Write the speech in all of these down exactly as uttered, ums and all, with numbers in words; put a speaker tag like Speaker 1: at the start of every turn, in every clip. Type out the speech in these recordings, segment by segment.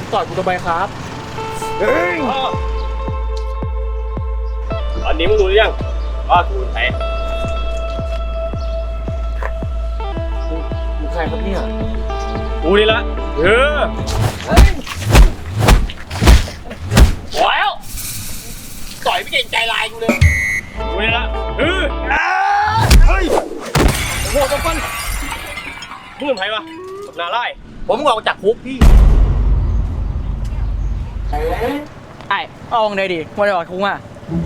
Speaker 1: ต่อยกูทำไมครับเฮ้ย
Speaker 2: ตอนนี้มึงรู้หรือยังว่ากูเป็นใคร
Speaker 1: มึงใครครับเนี่ย
Speaker 2: กูนี่ละเออโอ้ยต่อยไม่เก่งใจลายกูเลยกูนี่ละเออเฮ้ยโอ้โหจังฟันมึงเป็นใครวะกับนาไล่ผมออกจากคุกพี่
Speaker 1: ไอ้เอาไงดีวันไหนออกคุกอ่ะ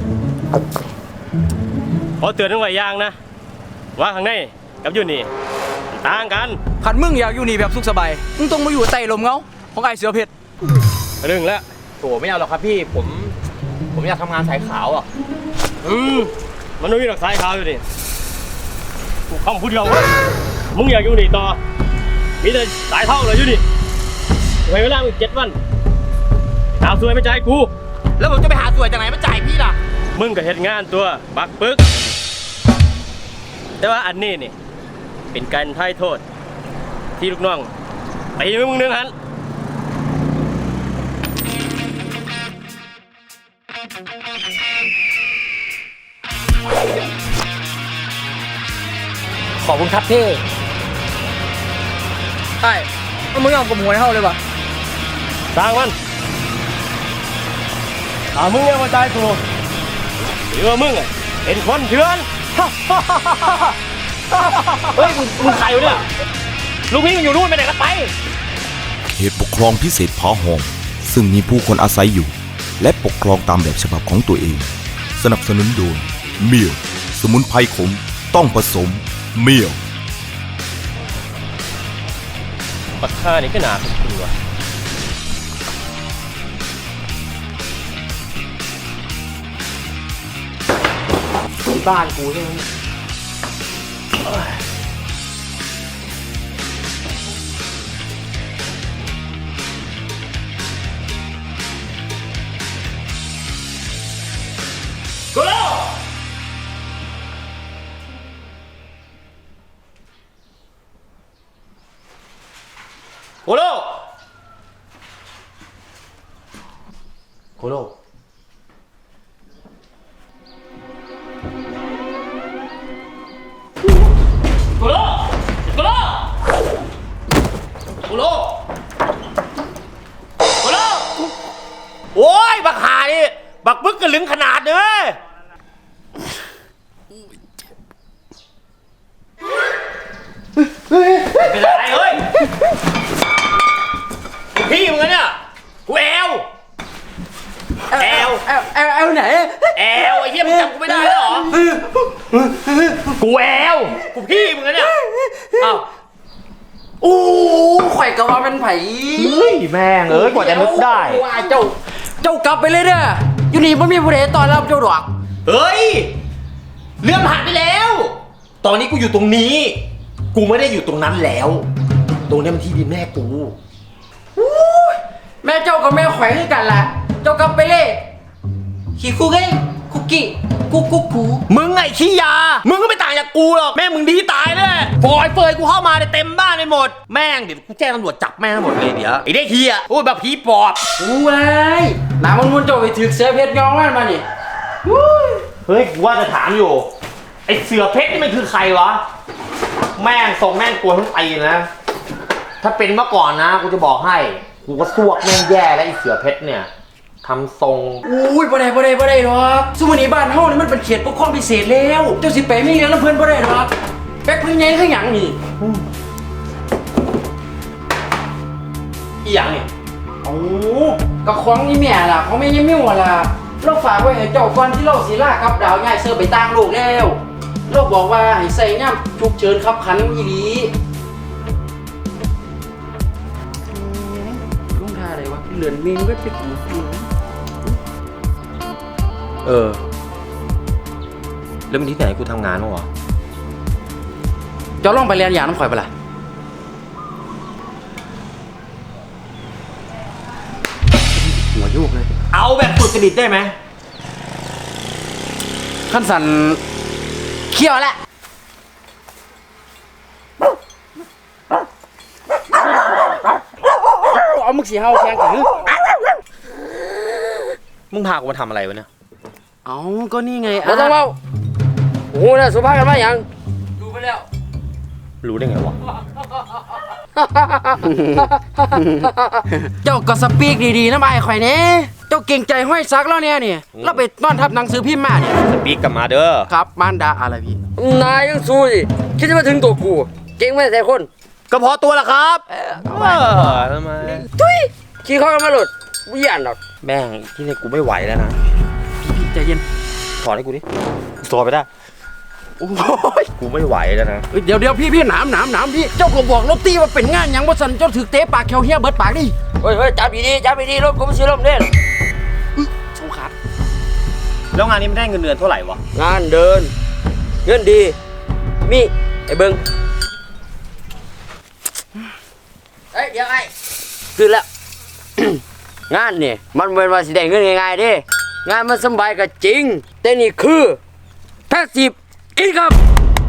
Speaker 2: ขอเตือนทั้งหลายอย่างนะว่าข้างในกับอยู่นี่ต่างกัน
Speaker 1: ขันมึงอยากอยู่นี่แบบสุขสบายมึงต้องมาอยู่ใต้ลมเงาของไอ้เสือเพชร
Speaker 2: เรื่องแล้ว
Speaker 3: โถไม่เอาหรอกครับพี่ผมผมอยากทำงานสายขาวอ่ะ
Speaker 2: อืมมันไม่มีหลักสายขาวอยู่ดิกูคำพูดเดียวว่ามึงอยากอยู่นี่ต่อมีแต่สายเท่าเลยอยู่ดิไว้เวลามึงเจ็ดวันหาสวยไม่จ่ายกู
Speaker 3: แล้วผมจะไปหาสวยจากไหนมาจ่ายพี่ล่ะ
Speaker 2: มึงก็เฮ็ดงานตัวบักปึกแต่ว่าอันนี้นี่เป็นการไถ่โทษที่ลูกน้องตีมึงนึงหัน
Speaker 1: ขอบคุณครับเท่ไอ้มึงยอมกับหวยเท่าเลยวะ
Speaker 2: สร้างมันถ้ามึงยังมาตายกูหรือว่ามึงอ่ะเป็นคนเถื่อนเฮ้ยมึงใครวะเนี่ยลูกพี่มันอยู่นู่นไปไหนกันไป
Speaker 4: เขตปกครองพิเศษผาหอมซึ่งมีผู้คนอาศัยอยู่และปกครองตามแบบฉบับของตัวเองสนับสนุนโดยเมียวสมุนไพรขมต้องผสมเมียว
Speaker 2: ปักฆ่านี่ก็หนาเป็นตัว
Speaker 3: บ้านกูใช่ไหม
Speaker 2: กูรู้กูรู้
Speaker 3: โคโล
Speaker 2: กูรู้กูรู้กูรู้กูรู้โอ้ยบักหานี่บักบึกกระลึงขนาดเลยเป็นอะไรเฮ้ยพี่มึงเนี่ยกูแอลแอล
Speaker 1: แอลแอลแอลไหน
Speaker 2: แอลไอ้เหี้ยมึงจำกูไม่ได้เหรอกูแอลกูพี่มึงเนี่ยอ้าว
Speaker 1: อู้ข่อยกะว่าเป็นไผ่
Speaker 3: เฮ้ยแม่งเอ้ยกว่าจะนึกได้
Speaker 1: ว่าเจ้าเจ้ากลับไปเลยเนี่ยอยู่นี่มันมีผู้ใดตอนรับเจ้าดอก
Speaker 3: เฮ้ยเรื่องผ่านไปแล้วตอนนี้กูอยู่ตรงนี้กูไม่ได้อยู่ตรงนั้นแล้วตรงนี้มันที่ดินแม่กู
Speaker 1: แม่เจ้ากับแม่ข่อยคือกันล่ะเจ้ากลับไปเลยขี้คุกเอ้คุกกี้กุ๊กกุ๊กกู
Speaker 3: มึงไงขี้ยามึงก็ไม่ต่างจากกูหรอกแม่มึงดีตายเลยฟอยเฟยกูเข้ามาเต็มบ้านไปหมดแม่งเดี๋ยวกูแจ้งตำรวจจับแม่งทั้งหมดเลยเดี๋ยวไอ้เด็กเฮียโอ้ยแบบผีปอบ
Speaker 1: อู้ไอ้หนามันมุนโจไปถือเสือเพชรยองมันมานี่
Speaker 3: เฮ้ยกูว่าจะถามอยู่ไอ้เสือเพชรนี่มันคือใครวะแม่งทรงแม่งกลัวทั้งปีนะถ้าเป็นเมื่อก่อนนะกูจะบอกให้กูก็ซวกแม่งแย่แล้วไอ้เสือเพชรเนี่ยทำทรง
Speaker 1: อุ้ยบ่ได้บ่ได้บ่ได้หรอกสมุนีบ้านเฮานี่มันเป็นเขตปกครองพิเศษแล้วเจ้าสิไปไม่เลี้ยงน้ำเพิ่นบ่ได้หรอกแป๊กเพิ่นใหญ่คือหยังนี่
Speaker 3: อีหยังนี่
Speaker 1: โอ้ก็ของนี่แม่ล่ะของแม่ยังมิ่วล่ะเราฝากไว้ให้เจ้าก่อนที่เราสิลากับดาวย้ายเสิร์ฟไปต่างโลกแล้วเราบอกว่าให้ใส่ย่ำฉุกเฉินขับขันอีหลีลุงท่าอะไรวะเหลือนเมนไว้ไปกู
Speaker 3: เออแล้วมันที่ไหนกูทำงานมั้งวะ
Speaker 1: เจ้าลองไปเรียนอย่างน้ำข่อยปะล่ะหัวโยกเลย
Speaker 3: เอาแบบสุดจริตได้ไหม
Speaker 1: ขั้นสันเขี้ยวแหละเอามึงมึงสิเฮาแข่งกันหรือ
Speaker 3: มึงพากูมาทำอะไรวะเนี่ย
Speaker 1: เอ้าก็นี่ไง
Speaker 2: บ่ต้องเว้าโอ้โหน่ะสุภาพกันมาหยังดูไปแล้ว
Speaker 3: รู้ได้ไงวะ
Speaker 1: เจ้าก็สปีกดีๆนะไอ้ข่อยเนี่ยเจ้าเก่งใจห้อยซักแล้วเนี่ยนี่เราไปนอนทับหนังสือพิมพ์มาเนี่ย
Speaker 3: สปีกกลับมาเด้อ
Speaker 1: ครับมารดาอะไรพี่
Speaker 2: นายยังสู้ดิคิดจะมาถึงตัวกูเก่งไม่แต่คน
Speaker 3: ก็พอตัวละครับ เออทำไม
Speaker 2: ทุยขี้เข้ากันมาหลุดไม่หยันหรอก
Speaker 3: แม่งที่นี่กูไม่ไหวแล้วนะ
Speaker 1: พี่ใจเย็น
Speaker 3: ถอดให้กูดิถอดไปได้
Speaker 1: โอ้ย
Speaker 3: กูไม่ไหวแล้วนะ
Speaker 1: เดี๋ยวเดี๋ยวพี่พี่หนามหนามหนามพี่เจ้าก็บอกรถตีว่าเป็นงานหยังบ่สันเจ้าถือเตะปากแควเฮียเบิดปากดิ
Speaker 2: เฮ้ยเฮ้ยจับดีๆจับดีๆรถกูไม่ซื้อรถเด่น
Speaker 1: สงขาด
Speaker 3: แล้วงานนี้มันได้เงินเดือนเท่าไหร่วะ
Speaker 2: งานเดิน เงินดี มีไอ้เบิ้งเอ้ยเดี๋ยวไอ้คือแล้ว งานนี่มันเป็นว่าสิได้เงินง่ายๆเดิงานมันสบายก็จริง แต่นี่คือแพสซีฟอินคัม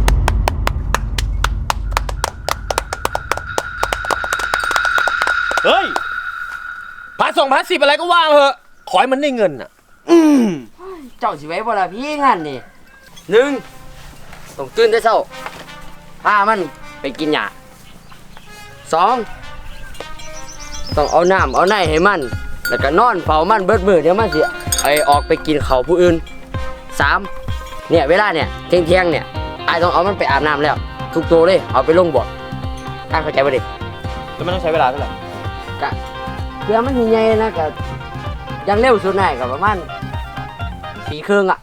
Speaker 3: เฮ้ยพาส่งพาสิบอะไรก็ว่างเหอะ ขอให้มันได้เงินอ่ะ
Speaker 2: เจ้าสิไว้บ่ล่ะพี่งานนี่หนึ่งต้องตื่นแต่เช้าพามันไปกินหญ้าสองต้องเอาน้ำเอาไหนให้มัน แล้วก็นอนเฝ้ามันเบิดมือเดี๋ยวมันสิไอออกไปกินข้าวผู้อื่นสามเนี่ยเวลาเนี่ยเที่ยงเที่ยงๆเนี่ยไอต้องเอามันไปอาบน้ำแล้ว ทุกตัวเลยเอาไปลงบ่อไอเข้าใจป่ะดิ
Speaker 3: แล้วมันต้องใช้เวลาเท่าไหร่
Speaker 2: กะเพื่อมันใหญ่ๆนะกะอยังเร็วสุดหน่อยกับประมาณสี่ครึ่งอ่ะ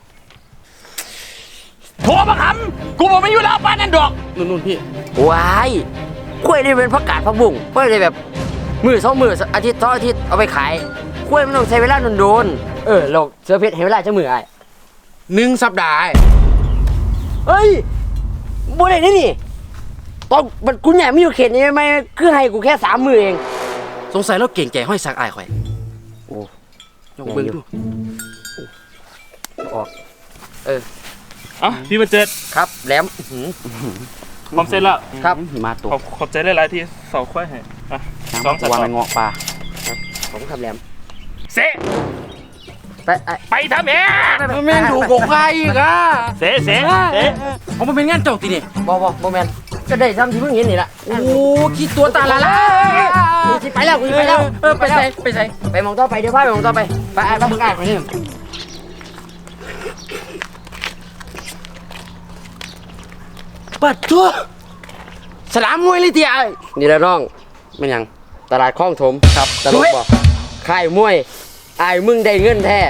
Speaker 3: โทรมาคำกูบอกไม่อยู่แล้วป้านั่นดอก
Speaker 1: นู่นนู่นพี่
Speaker 2: ว้ายกล้วยนี่เป็นผักกาดผักบุ้งกล้วยเลยแบบมือสองมืออาทิตย์สองอาทิตย์เอาไปขายกล้วยมันต้องใช้เวลาโดนๆเออเราเสือเพชรให้เวลาจะมือไอ้
Speaker 1: หนึ่งสัปดาห์
Speaker 2: เฮ้ยบ่ได้นี่นี่ตอนมันกูใหญ่ไม่อยู่เขตนี้ไหมคือให้กูแค่สามมือเอง
Speaker 1: สงสัยเราเก่งใจห้อยซักไอ้ข่อย
Speaker 2: โอ้
Speaker 1: ยกเบิ้งดู
Speaker 2: ออก
Speaker 5: เอ้าพี่มาเจอ
Speaker 2: ครับแหลมอื้อหือ
Speaker 5: พร้อมเสร็จแล้ว
Speaker 2: ครับ
Speaker 1: หิมะตก
Speaker 5: ขอบขอบใจหลายๆที่เสาค่อยให้อ่ะสองสัต
Speaker 1: วาง
Speaker 5: ว์
Speaker 1: ในเงาะปลา
Speaker 2: ผมครับแหลม
Speaker 5: เสะ
Speaker 2: ไปไอ้
Speaker 5: ไปทำเอง
Speaker 1: แม่งดูกกไฟอีกอ่ะ
Speaker 5: เสะเสะเสะ
Speaker 1: เอามาเป็นงานเจ้าตีนี่
Speaker 2: บอบอบอแมนก็ได้ซ้ำที่เพิ่งเห็นนี่แหละ
Speaker 1: โอ้คิดตัวตาละละ
Speaker 2: กูสิไปแล้วกูสิไปแล้ว
Speaker 1: เออไปใส่ไปใส่
Speaker 2: ไปมองต่อไปเดี๋ยวพาไปมองต่อไปไปไอ้ไปมึงไอ้ไปนี่
Speaker 1: ปัดตัวสลามมวยเลยทีไอ้
Speaker 2: นี่แหละน้องมันหยังตลาดคลองถมครับตลกบอกค่ายมวยไอ้ายมึงได้เงินแท้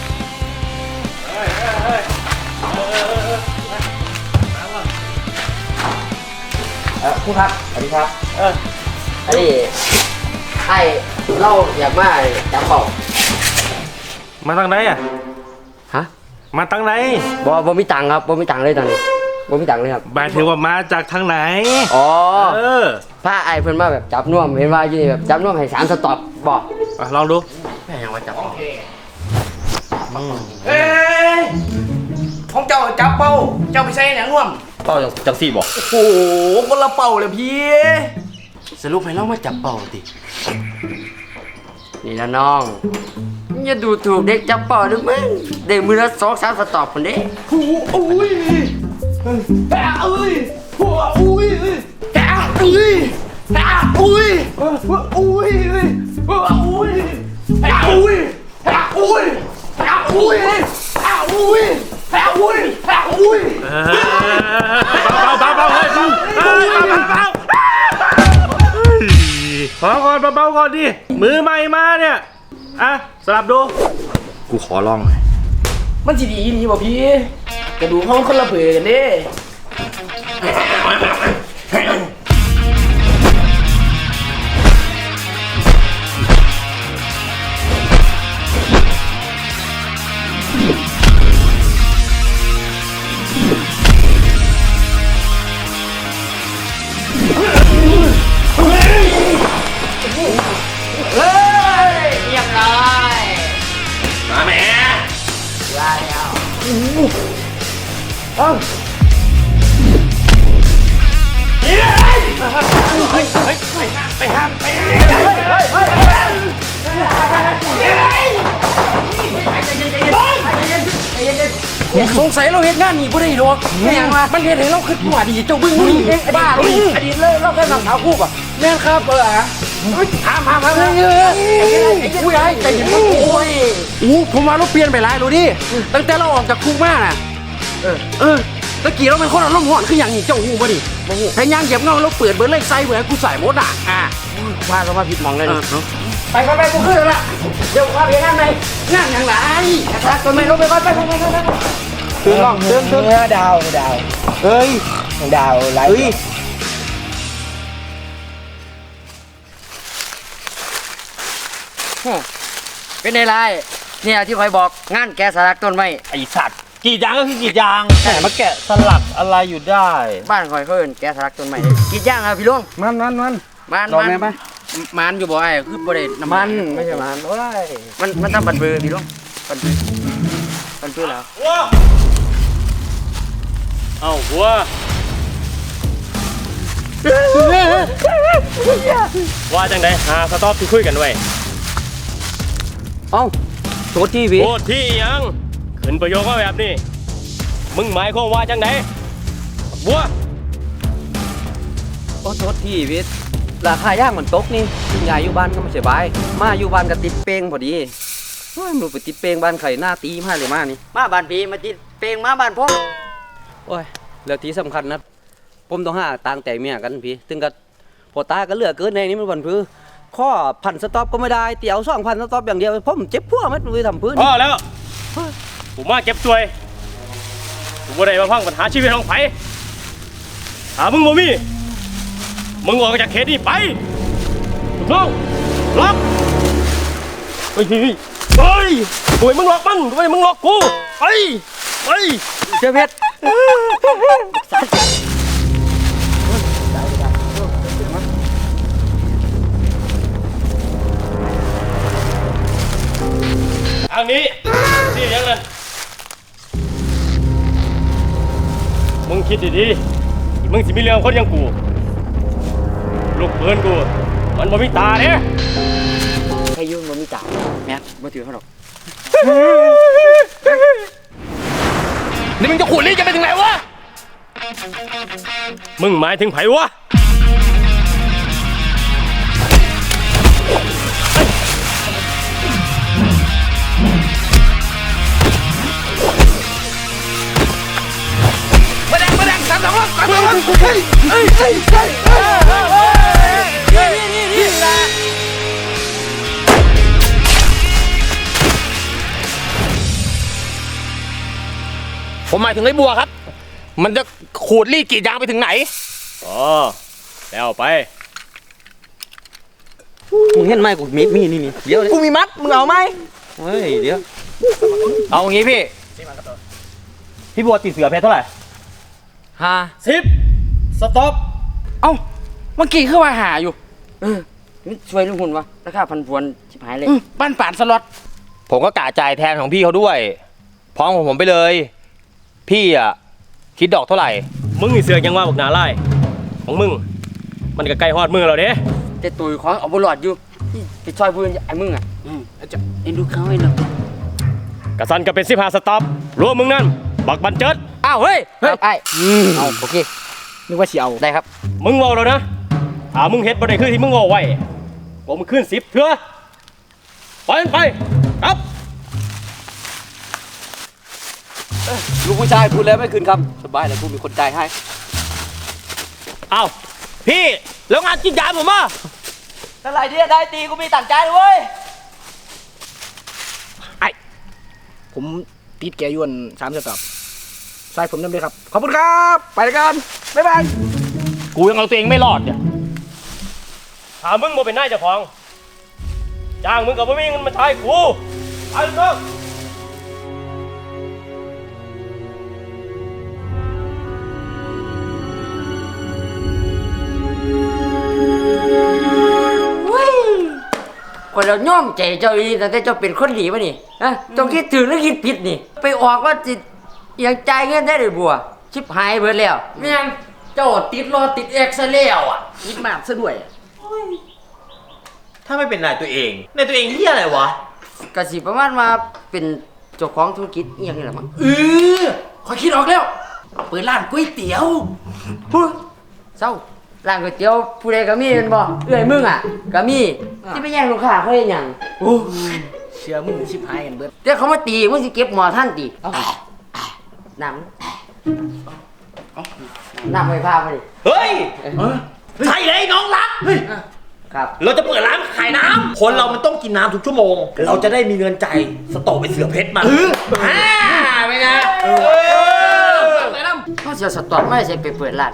Speaker 2: เออครูครับสวัสดีครับเอออันนี้ไอ้เล่าอยากมาจับเป่า
Speaker 5: มาทางไหนอ่ะ
Speaker 2: ฮะ
Speaker 5: มาทางไหน
Speaker 2: บ่บ่มีตังค์ครับบ่มีตังค์เลยตอนนี้บ่มีตังค์เลยครับ
Speaker 5: หมายถึงว่ามาจากทางไหน
Speaker 2: อ๋อ
Speaker 5: เออ
Speaker 2: ผ้าไอ้เพิ่นมาแบบจับน่วมเห็นว่าอยู่นี่แบบจับน่วมให้สามสต็อปบ่
Speaker 5: อ่ะลองดู
Speaker 1: แม่ยังว่าจับ
Speaker 6: เอ้ยของเจ้าจับเป้า เจ้าไปใส่หนังร่วม
Speaker 3: เป้าจังจังสี่บอก
Speaker 6: โอ้โห คนละเป่าเลยพี่
Speaker 1: สรุปให้เรามาจับเป่าติ
Speaker 2: นี่ละน้องอย่าดูถูกเด็กจับเป่าด้วยมึงเด็กมือละสองสามสต็อปคนเด้
Speaker 6: โอ้โหอุ้ยแปะเอ้ยหัวอุ้ยแปะเอ้ยแปะอุ้ยหัวอุ้ยหัวอุ้ยแปะอุ้ยแปะอุ้ยแปะอุ้ยแปะอุ้ยแปะอุ้ยแปะอุ้ย
Speaker 5: เออเบาเบาเบาเฮ้ยเบาเฮ้ยเบาเบาเบาเฮ้ยขอก่อนเบาๆก่อนดิ มือใหม่มาเนี่ย อ่ะ สลับดู
Speaker 3: กูขอลองหน่อย
Speaker 6: มันสิดีดีบ่พี่กระดูกห้องคนละเบื่อกันเด้เฮ้ยเรียบร้อย
Speaker 3: มาแม่
Speaker 6: ได้แล้ว
Speaker 5: ไปห้ามไปห้าม
Speaker 1: สงสัยเราเฮ็ดงานนี่บ่ได้หรอกแม่งว่ามันเฮ็ดให้เราคิดว่าดีเจ้าบึ้งมึงเองบ้าเลยอดีตเลยเราแค่นำสาวคู่ป่ะแม่นครับเออฮะถามถามถามเออผู้ใหญ่ใจเย็นโอ้ยอู้ผมว่าเราเปลี่ยนไปหลายรู้ดิตั้งแต่เราออกจากคุกมาน่ะเออเออตะกี้เราเป็นคนอารมณ์ร้อนคืออย่างนี้เจ้าหูบ่ดิบ่ฮู้พยายามเหยียบเงาเราเปิดเบิร์เลยใส่เบื่อกูใส่หมดอ่ะอ่ะว่าเรามาผิดมองเลยไปไปไปกูขึ้นแล้วล่ะเดี๋ยวพาไปงานไหนงานอย่างไรนะครับตัวไม่ลงไปไปไปไปไปไปตื่นน้องตื่นตื่นดาวดาวเฮ้ยดาวไรเฮ้ยเป็นไงไรเนี่ยที่คอยบอกงานแกสลักต้นไม้
Speaker 3: ไอสัตว์กรีดยางก็คือกรีดยางแต่มาแกะสลักอะไรอยู่ได้
Speaker 1: บ้านคอยเขาเอิ้นแกสลักต้นไม้กินย่างครับพี่ลุงมันมันมันมันมันมันอยู่บ่ไอ้คือบ่ได้น้ำมันไม่ใช่มันโอ้ยมันมันทำบันเบือพี่ลุงบันเบือบันเบือแล้ว
Speaker 2: หัวเอ้าหัวว่าจังไดหาสต็อปที่คุยกันไว้
Speaker 1: เอ้าโทษทีพี่
Speaker 2: โทษที่ยังขึ้นประโยคว่าแบบนี้มึงหมายความว่าจังไดบัว
Speaker 1: โอ้โทษทีพี่ราคาย่างมันตกนี่คุณยายอยู่บ้านก็ไม่สบายมาอยู่บ้านก็ติดเป้งพอดีเฮ้ยมึงไปติดเป้งบ้านไข่หน้าตีมาเลยมานี่มาบ้านพี่มาติดเป้งมาบ้านพ่อโอ้ยแล้วที่สำคัญนะผมต้องหาต่างแต่เมียกันพี่ถึงกับพอตาก็เหลือเกินในนี้มันวันพื้ข้อพันสต็อปก็ไม่ได้เตี๋ยวสองพันสต็อปอย่างเดียวผมเจ็บพวกมันไปทำพื้น
Speaker 2: พอแล้วผมมาเก็บตัวยผมบ่ได้มาพังปัญหาชีวิตของไผหามึงบ่มีมึงออกจากเขตนี้ไปถูกต้องล็อกเฮ้ยเฮ้ยเฮ้ยโอ้ยมึงล็อกมันทำไมมึงล็อกกูไปไป
Speaker 1: เจ้าเพชร
Speaker 2: ทางนี้นี่ยังไงมึงคิดดีๆมึงสิมีเรื่องคนอยังกูลูกเพื่อนกูมันบ่มีตาเนี่ย
Speaker 1: ใครยุ่งมันมีจ่าแม่ไม่ถือเขาหรอก
Speaker 6: นี่มึงจะขูดรีดจะไปถึงไหนวะ
Speaker 2: มึงหมายถึงไผวะ
Speaker 6: มาแดงมาแดงสามสองสามสองเฮ้ยเฮ้ยเฮ้ยเฮ้ยเฮ้ยนี่นี่นี่ละผมหมายถึงไอ้บัวครับ มันจะขูดรีดกรีดยางไปถึงไหน
Speaker 2: อ๋อแล้วไป
Speaker 1: มึงเห็นไหมกูมีมีนี่นี่เดี๋ยว
Speaker 6: กูมีมัด มึงเอาไหม
Speaker 1: เฮ้ยเดี๋ยว
Speaker 3: เอางี้พี่พี่บัวติดเสือเพชรเท่าไหร่
Speaker 1: ห้า
Speaker 2: สิบสต็อป
Speaker 1: เอ้าเมื่อกี้คือว่าหาอยู่เออนี่ช่วยลุงหุ่นวะราคาพันพวนชิบหายเลยบ้านป่านสล็อต
Speaker 3: ผมก็กะจ่ายแทนของพี่เขาด้วยพร้อมของผมไปเลย พี่อ่ะคิดดอกเท่าไหร่
Speaker 2: มึงนี่เสือกยังว่าบอกหนาไล่ของมึงมันก็ใกล้ฮอดมือแล้วเด้
Speaker 1: แต่ตุยของเอาบอลอดอยู่ที่ไปช่วยเพื่อนไอ้มึงอ่ะอืมจะเอ็นดูเขาไอ้เนาะ
Speaker 2: กระสันก็เป็นสิบห้าสต็อปรวมมึงนั่นบักบันเจิด
Speaker 1: อ้าวเฮ้ยเฮ้ยไอ้เอาโอเคนึกว่าสิเอาได้ครับ
Speaker 2: มึงเว่าแล้วนะถ้ามึงเฮ็ดบ่ได้คือที่มึงเว่าไว้ผมมึงขึ้นสิบเถื่อไปมันไปครับ
Speaker 1: ลูกผู้ชายพูดแล้วไม่คืนคำสบายแล้วกูมีคนจ่ายให้
Speaker 3: เอาพี่แล้วงานกินยาผมอ่ะ
Speaker 1: เท่าไหร่ที่ได้ตีกูมีต่างใจเว้ย
Speaker 6: ผมติดแกยวนสามสต็อปใส่ผมน้ำเลยครับ ขอบคุณครับ ไปแล้วกัน บ๊ายบาย
Speaker 3: กูยังเอาตัวเองไม่รอดเนี่ย
Speaker 2: ถ้ามึงบ่เป็นนายเจ้าของจ้างมึงกับบ่มีเงินมาใช้กูไปเถอะ
Speaker 1: คนเราย่อมใจเจ้าอีแต่เจ้าเป็นคนดีป่ะนี่ฮะเจ้าคิดถึงหรือคิดผิดนี่ ไปออกว่าจิตยังจ่ายเงินได้เลยบัว ชิบหายเบิดแล้วแม่งเจ้าติดรอติดเอ็กซ์แล้วอ่ะยิดมากซะด้วย
Speaker 3: ถ้าไม่เป็นนายตัวเองนายตัวเองเฮียอะไรวะ
Speaker 1: กะสิประมาณว่าเป็น
Speaker 7: เจ้าของธุรกิจอีหยังนี่แหละมั้ง
Speaker 1: เออขอยคิดออกแล้ว เปิดร้านก๋วยเตี๋ยว
Speaker 7: พูดเศร้าร้านก๋วยเตี๋ยวผู้ใดก็มีเป็นบ่เอื้อยมึงอ่ะก็มีที่ไปแย่งลูกค้าเขาเฮ็ดหยัง
Speaker 1: โอ้เชื่อมึงชิบหายกันเบิด
Speaker 7: เดี๋ยวเขามาตีมึงสิเก็บหมอท่านตีน้ำน้ำไฟฟ้ามาดิ
Speaker 3: เฮ้ยใช่เลยน้องรัก
Speaker 7: ครับ
Speaker 3: เราจะเปิดร้านขายน้ำคนเรามันต้องกินน้ำทุกชั่วโมง เราจะได้มีเงินใจายสโตอกไปเสือเพชรมาอ่าไม่ไงเออ
Speaker 7: เขาเสียสตอร์ไม่ใช่ไปเปิดร้าน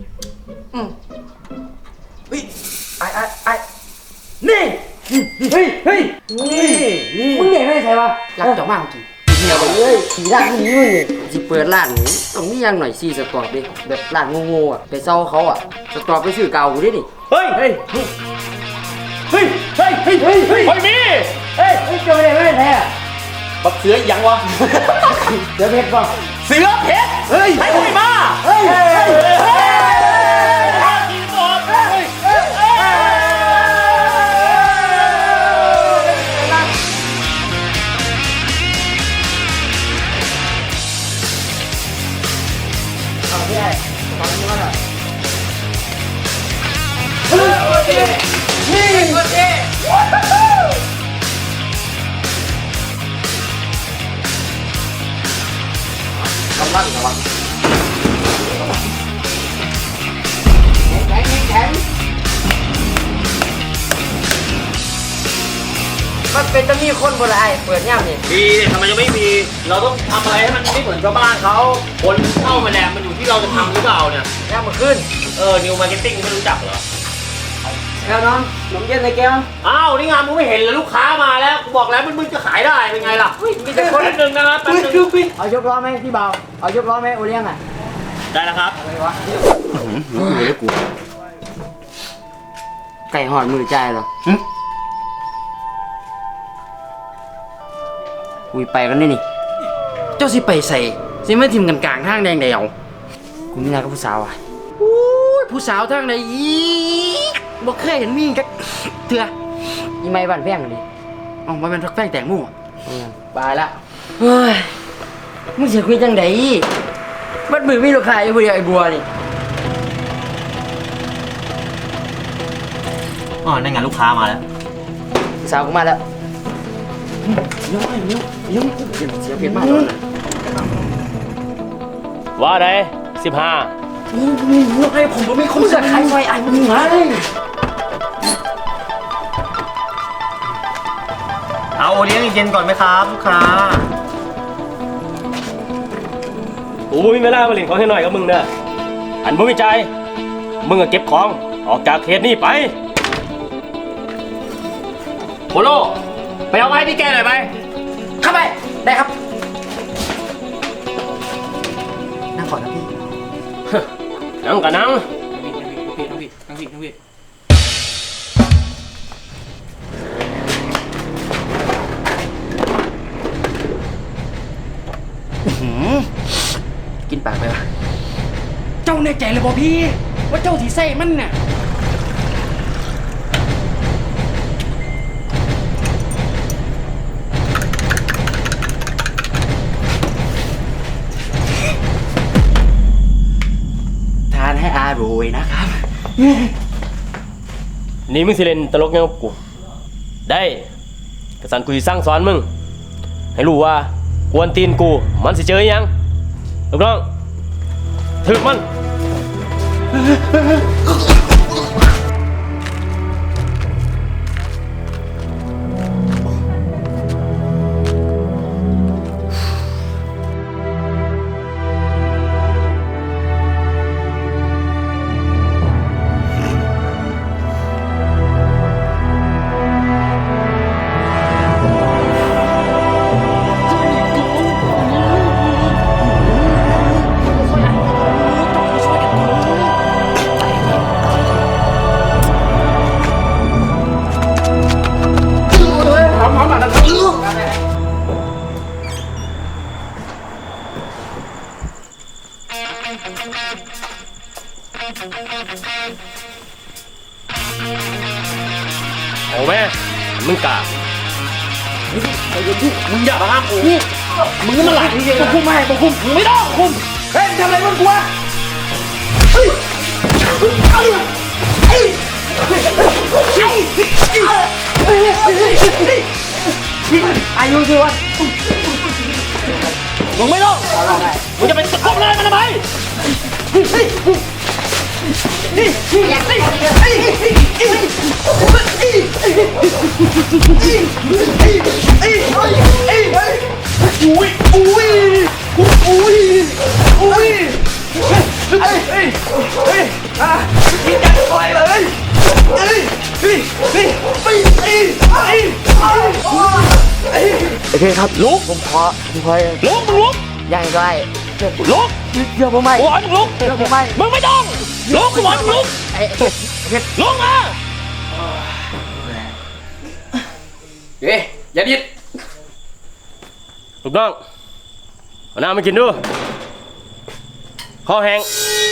Speaker 1: เฮ้ยไอ้ไอ้ไอ้นี่เฮ้ยเฮ้ยนี่
Speaker 7: มึงเด็กไม่ใช่ปะรักเจ้ามากกี่เดียวเลยสีด้านนี้มึงนี่สิเปิดร้านนี้ตรงนี้ยังหน่อยซีสตอร์ดิแบบร้านโง่ๆอ่ะไปเซาเขาอ่ะสตอร์ไปซื้อเก่ากูดินี่
Speaker 3: เฮ้ย
Speaker 1: เฮ้ยเฮ้ยเฮ้ยเฮ้ยเฮ้ยเฮ้ย
Speaker 3: เฮ้ยมี
Speaker 7: เฮ้ยเฮ้ยเจ้าไม่ได้ไม่ได้แท้
Speaker 3: บักเสือยังวะ
Speaker 7: เดี๋ยวเพชรป่ะ
Speaker 3: เสือเพชร
Speaker 1: เฮ้ย
Speaker 3: ให้คุยมา
Speaker 7: เฮ้ยเฮ้ยเฮ้ย มันเป็นจะมีคนบนไอ้เปิดย่ำนี่
Speaker 3: มีทำไมจะไม่มี เราต้องทำอะไรให้มันไม่เหมือนชาวบ้านเขาคนเข้ามาแหละมันอยู่ที่เราจะทำหรือเปล่าเนี่ย
Speaker 7: ย่ำมาขึ้น
Speaker 3: เออ นิวมาร์เก็ตติ้งไม่รู้จักเหรอ
Speaker 7: แล้วน้องนมเย็นในแก้ว
Speaker 3: อ้าว นี่งานมึงไม่เห็นเลยลูกค้ามาแล้วกูบอกแล้วมันมึงจะขายได้เป็นไงล่ะ
Speaker 7: มีแต่คน
Speaker 3: แป๊บนึงนะครับแป๊บนึง
Speaker 7: เอายกล้อไหมพี่เบาเอายกล้อไหมโอเลี้ยงอ่ะ
Speaker 3: ได้แล้วครับ
Speaker 7: อะไรวะไก่หอดมือใจเหรอคุยไปกันนี่นี่ เจ้าสิไปใส่สิไม่ทิมกันกลางทางแดงเดียวกูมีนายกับผู้สาวอ่ะอู้ยผู้สาวทางไหนอีกบอกเคยเห็นมีกันเถื่ออีไม่บ้านแพงกันดิอ๋อมันเป็นทักแป้งแตงมู่บายละเฮ้ยมึงเสียคุยจังไดบัดมือมีลูกค้าอยู่ผู้เดียวไอ้บัวนี่
Speaker 3: อ๋อนั่นไงลูกค้ามาแล้ว
Speaker 7: สาวกูมาแล้วย้อยเนี้ยย้อยเสียงเสียงเพี้ยนมากเลย
Speaker 2: ว่าไดสิบห้า
Speaker 1: โอ้โหไอ้ผมก็ไม่คุ้
Speaker 7: กู
Speaker 1: ม
Speaker 7: จะขายไฟไอ้มึงไง
Speaker 3: เอาโอเลี้ยงเย็นก่อนไหมครับลูกค้า
Speaker 2: กูไม่มีเวลามาเล่นของให้หน่อยกับมึงเด้ออันบ่มีใจายมึงก็เก็บของออกจากเขตนี้ไป
Speaker 3: โปโลไปเอาไม้ที่แกหน่อยไป
Speaker 7: เข้าไปได้ครับนั่งก่อนนะพี่
Speaker 2: นั่งกับนั่ง
Speaker 1: นั่งพี่นั่งพี่นั่งพี่
Speaker 7: กินปากไปวะ
Speaker 1: เจ้าแน่ใจเลยบ่พี่ ว่าเจ้าที่ใส่มันน่ะทานให้อร่อยนะครับ
Speaker 2: นี่มึงสิเล่นตลกยังกับกูได้กระสันกูสิสร้างสอนมึงให้รู้ว่ากวนตีนกูมันสิเจออิหยังลูกน้องถึกมัน เอาแม่มึงกล้า
Speaker 3: มึงอย่ามาห้ามกู
Speaker 1: มึงมันหลังจริงๆคุมไม่คุมมึงไม่ต้องคุมเฮ้ยทำอะไรมึงกูวะเฮ้ยไอ้ไอ้อายุสิวะมึงไม่ต้องมึงจะไปตะคบเลยมันทำไมอุ้ยอุ้ยอุ้ยอุ้ยเฮ้ยเฮ้ยเฮ้ยอ่ะกินกันต่อยเลยเฮ้ยเฮ้ยเฮ้ยเฮ้ยเฮ้ยเฮ้ยโอเคครับลุกผมขอผมขอลุกมึงลุกยังไงลุกเดี๋ยวผมไม่กูบอกมึงลุกเดี๋ยวผมไม่มึงไม่ต้องลุกกูบอกมึงลุกลุกมาเฮ้ยอย่าดิด
Speaker 2: ถูกต้องเอาน้ำมากินดูคอแห้ง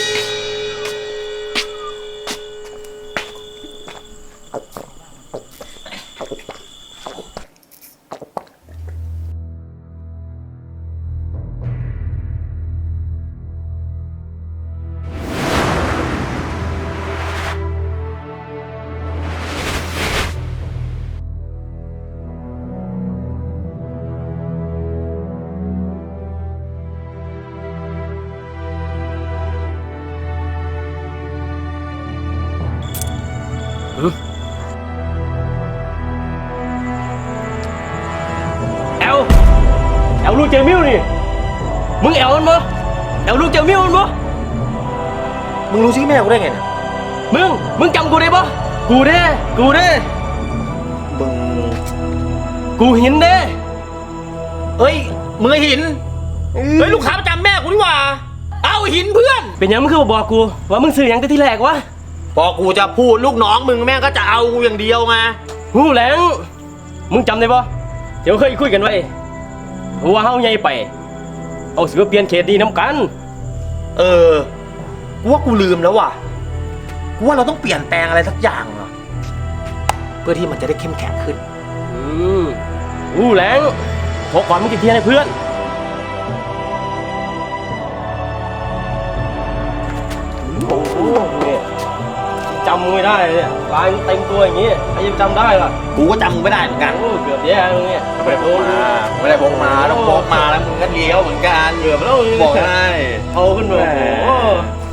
Speaker 2: แอลแอลลูกเจมิวนี่มึงแอลมันบ่แอลลูกเจมิวมันบ่
Speaker 3: มึงรู้ชื่อแม่กูได้ไงเนี่ย
Speaker 2: มึงมึงจำกูได้บ่กูเด้กูเด้
Speaker 3: มึง
Speaker 2: กูหินเด้
Speaker 3: เอ้ยมึงไอ้หินเฮ้ยลูกค้าประจำแม่กูดีกว่าเอาหินเพื่อน
Speaker 2: เป็นยังมึงคือบอกกูว่ามึงซื้อหยังแต่ที่แรกวะ
Speaker 3: พอกูจะพูดลูกน้องมึงแม่งก็จะเอากูอย่างเดียวไง
Speaker 2: หูแหลงมึงจำได้บ่เดี๋ยวเคยคุยกันไว้ว่าเฮาใหญ่ไปเอาสิมาเปลี่ยนเขตดีน้ำกัน
Speaker 3: เออกูว่ากูลืมแล้วว่ะกูว่าเราต้องเปลี่ยนแปลงอะไรสักอย่างอะเพื่อที่มันจะได้เข้มแข็งขึ้น
Speaker 2: อืมหูแหลงขอความมึงกี่เทียนให้เพื่อนโอ้โหเนี่ยจำไม่ได้เลยเนี่ยลายเต็มตัวอย่างงี้ใครจะจำได้ล่ะ
Speaker 3: กูก็จำมึงไม่ได้เหมือนกัน
Speaker 2: โอ้เกือบแย่แล้วเนี่ย
Speaker 3: ไม่ได้พกมาไม่ได้พกมาต้องพกมาแล้วมึงก็เลี้ยวเหมือนกัน
Speaker 2: เกือบแล้ว
Speaker 3: บอกให้
Speaker 2: เอาขึ้นมาโอ้โห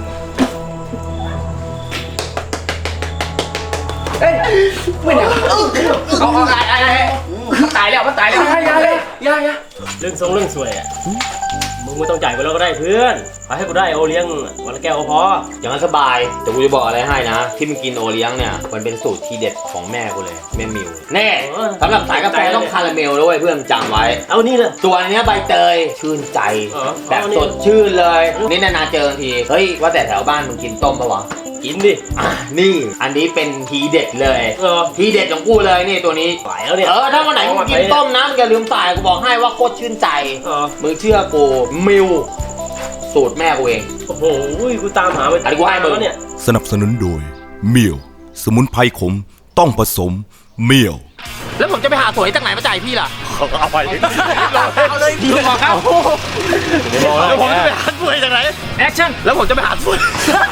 Speaker 1: ไม่ได้เอาเอาไอ้ไอ้ไอ้มันตายแล้วมันตายแล้วยายเลยยายยาย
Speaker 2: เรื่องทรงเรื่องสวยอ่ะมึงไม่ต้องจ่ายกูแล้วก็ได้เพื่อนเอาให้กูได้โอเลี้ยงวันละแก้วก็พอ
Speaker 3: อย่างนั้นสบายแต่กูจะบอกอะไรให้นะ ที่มึงกินโอเลี้ยงเนี่ยมันเป็นสูตรทีเด็ดของแม่กูเลยแม่มิวแน่สำหรับสายกาแฟต้องคาราเมลด้วยเพื่อนจำไว้
Speaker 2: เอานี่เลย
Speaker 3: ตัวเนี้ยใบเตยชื่นใจ
Speaker 2: เออ
Speaker 3: แบบ
Speaker 2: เอานี่
Speaker 3: สดชื่นเลยนี่นานๆเจอทีเฮ้ยว่าแต่แถวบ้านมึงกินต้มปะวะ
Speaker 2: กินดิ
Speaker 3: อ่ะนี่อันนี้เป็นทีเด็ดเลย
Speaker 2: เออ
Speaker 3: ทีเด็ดของกูเลยนี่ตัวนี้
Speaker 2: ไหวแล้วเนี่ย
Speaker 3: เออถ้าวันไหนมึงกินต้มนะมึงอย่าลืมใส่กูบอกให้ว่าโคตรชื่นใจ
Speaker 2: เออ
Speaker 3: มึงเชื่อกูมิวสูตรแม่กูเอง
Speaker 2: โอ้โหกูตามหาไป
Speaker 3: อันนี้กูให้มึง
Speaker 2: แล้วเนี่ย
Speaker 4: สนับสนุนโดยเมียวสมุนไพรขมต้องผสมเมียว
Speaker 3: แล้วผมจะไปหาสวยจากไหนมาจ่ายพี่ล่ะ
Speaker 2: เอาไป
Speaker 3: เอาเลยพี่บอกครับ
Speaker 2: แล้วผมจะไปหาสวยจากไหน
Speaker 3: แอคชั่นแล้วผมจะไปหาสวย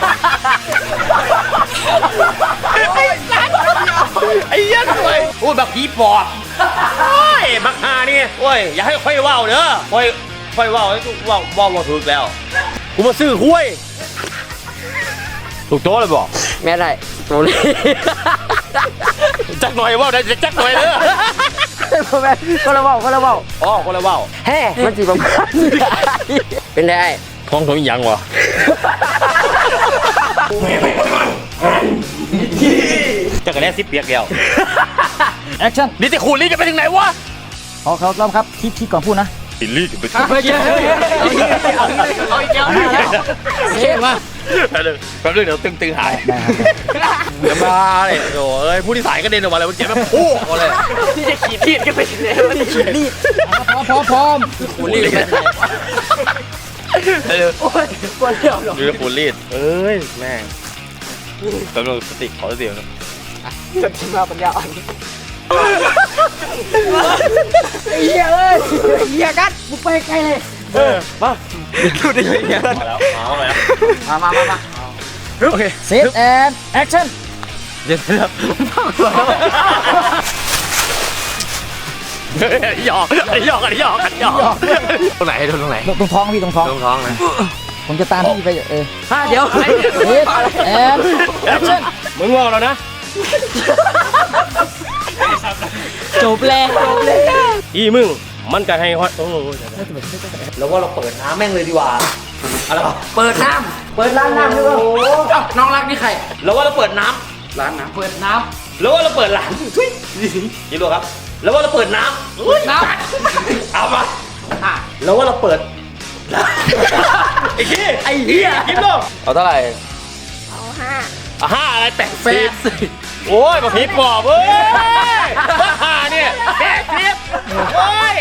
Speaker 3: ไอ้ยันสวยพูดแบบผีปอบโอ้ยบักฮานี่โอ้ยอย่าให้ค่อยว่าวเด้อค่อยค่อยว่าวให้กูว่าวว่าวมาถูกแล้วกูมาซื้อห้วยถูกโต๊ะเลยบอก
Speaker 7: แม่ได้โตเลย
Speaker 3: จักหน่อยว่าวได้จักหน่อยเด้อ
Speaker 7: แม่คนละเบาคนละเบา
Speaker 3: อ๋อคนละว่าว
Speaker 7: แฮ่มันจีบประมาณเป็นไง
Speaker 3: ท้องท้องยังวะ จะกระแนซิปเปียกเดียว
Speaker 6: แอคชั่น
Speaker 3: นี่จะขูดลิ้นจะไปถึงไหนวะ
Speaker 6: เอาครับรอบครับคิดคิดก่อนพูดนะ
Speaker 3: ปิดลิ้นจะไปถึง
Speaker 7: ไปเยอะเอาอีกแล้วเอาอีกแล้วเชื่อมา
Speaker 3: แป๊บนึงแป๊บนึงเดี๋ยวตึงตึงหาย
Speaker 6: ได้ครับ
Speaker 3: เดี๋ยวมาเลยโอ้ยผู้ที่สายกระเด็นออกมาเลยเมื่อกี้มันพุ่งออกมาเลย
Speaker 7: ที่จะขีดที่ก็ไปถึงไหนวะที่ขีดรีด
Speaker 6: พร้อมพร้อมพร้อม
Speaker 3: ขูดลิ้นเลยเออ
Speaker 7: โอ้ยกลัวเดี่ยวหรอ
Speaker 3: ดูขูดลิ้นเอ้ยแม่งแป๊บนึงสติขอสติก่อน
Speaker 7: จะทิ้งมาปัญญาอ่อน
Speaker 1: เหี้ยเอ้ยเหี้ยกัดมึงไปไกลเลย
Speaker 5: เออมาดูดิเฮีย
Speaker 2: มาแล้วมาแล้ว
Speaker 1: มามามามา
Speaker 5: โอเค
Speaker 1: เซตแอนแอคชั่น
Speaker 5: เดี๋ยวเดี๋ยวหยอกหยอกกันหยอกกันหยอกตรงไหนตรงไหน
Speaker 1: ตรงท้องพี่ตรงท้อง
Speaker 5: ตรงท้องนะ
Speaker 1: ผมจะตามพี่ไปเออ
Speaker 7: ฮะเดี๋ยว
Speaker 1: เซตแอนแอคชั่น
Speaker 5: มึงงอแล้วนะ
Speaker 7: จบแล้วจบแล้ว
Speaker 5: อีมึงมันก็ให้ฮอตโอ้ย
Speaker 3: แล้วว่าเราเปิดน้ำแม่งเลยดีกว่าอะไรวะ
Speaker 7: เปิดน้
Speaker 1: เปิดร้านน้ำด้วย
Speaker 7: ำเอ้าน้องรักนี่ใคร
Speaker 3: แล้วว่าเราเปิดน้ำ
Speaker 7: ร้านน้ำเปิดน้
Speaker 3: แล้วว่าเราเปิดร้านทุยยี่รู้ครับ แล้วว่าเราเปิดน้ำอุ๊ย
Speaker 7: ำน้
Speaker 3: เอามา
Speaker 7: ำอ่ะ
Speaker 3: แล้วว่าเราเปิดไอ้ขี้
Speaker 7: ไอ้เหี้ย
Speaker 3: กินลูกเอาเท่าไหร่เอาห้าห้าอะไรแปด
Speaker 7: แฟ
Speaker 3: สิบ
Speaker 7: น
Speaker 3: โอ้ยมาผีปอบเว้ยห้าเนี่ยแปดสิบโอ้ย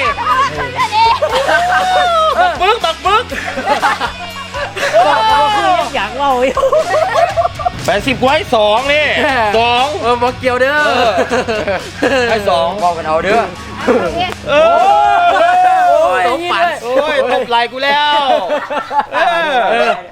Speaker 3: บักบึกบักบึก
Speaker 1: อยากเล่าอีก
Speaker 3: แปดสิบไว้สองนี่สอง
Speaker 7: เออบอกเกี่ยวเด้อ
Speaker 3: ให้สอง
Speaker 7: บอกกันเอาเด้อ
Speaker 3: เออ
Speaker 7: โอ้ยตบปัน
Speaker 3: โอ้ยตบไหล่กูแล้วเออ